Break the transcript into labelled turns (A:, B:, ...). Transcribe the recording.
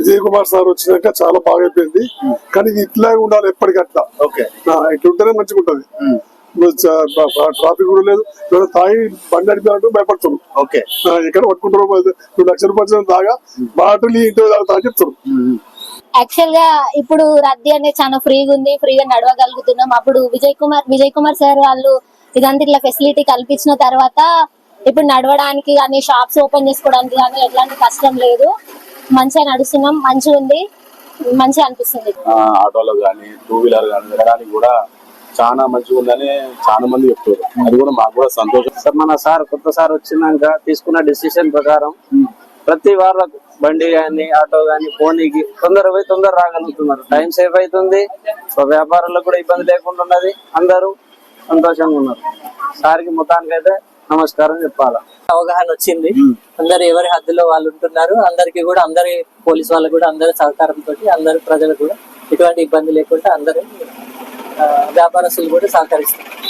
A: Vijay Kumar sir వచ్చినాక చాలా బాగా అయిపోయింది. కానీ ఇది ఇట్లాగే ఉండాలి ఎప్పటికట్లా. ఇట్లుంటేనే మంచిగా ఉంటది. ట్రాఫిక్ కూడా లేదు. తాగి బండి నడిపినట్టు భయపడుతున్నారు. ఎక్కడ పట్టుకుంటారు 2 లక్షల రూపాయలు తాగా బాటలు ఇంటి తాగుతా అని చెప్తారు.
B: యాక్చువల్ గా ఇప్పుడు రద్దీ అనేది చాలా ఫ్రీగా ఉంది, ఫ్రీగా నడవగలుగుతున్నాం. అప్పుడు విజయ్ కుమార్ సార్ వాళ్ళు ఇదంతా ఇట్లా ఫెసిలిటీ కల్పించిన తర్వాత ఇప్పుడు నడవడానికి కానీ షాప్స్ ఓపెన్ చేసుకోవడానికి కానీ ఎట్లాంటి కష్టం లేదు. మంచిగా నడుస్తున్నాం, మంచిగా ఉంది, మంచిగా అనిపిస్తుంది.
C: ఆటోలో కానీ 2 వీలర్ కానీ వెళ్ళడానికి కూడా చాలా మంచిగా ఉందని చాలా మంది చెప్తారు. అది కూడా మాకు కూడా సంతోషం.
D: సార్ మన కొత్త సార్ వచ్చినాక తీసుకున్న డిసిషన్ ప్రకారం ప్రతి వాళ్ళకు బండి గాని ఆటో గాని పోనీకి తొందర రాగలుగుతున్నారు. టైం సేవ్ అవుతుంది. వ్యాపారులకు కూడా ఇబ్బంది లేకుండా ఉన్నది. అందరూ సంతోషంగా ఉన్నారు. సార్కి మొత్తానికి అయితే నమస్కారం చెప్పాలా.
E: అవగాహన వచ్చింది. అందరు ఎవరి హద్దులో వాళ్ళు ఉంటున్నారు. అందరికి కూడా అందరి పోలీసు వాళ్ళకు కూడా అందరి సహకారంతో అందరి ప్రజలకు కూడా ఎటువంటి ఇబ్బంది లేకుండా అందరూ వ్యాపారస్తులు కూడా సహకరిస్తారు.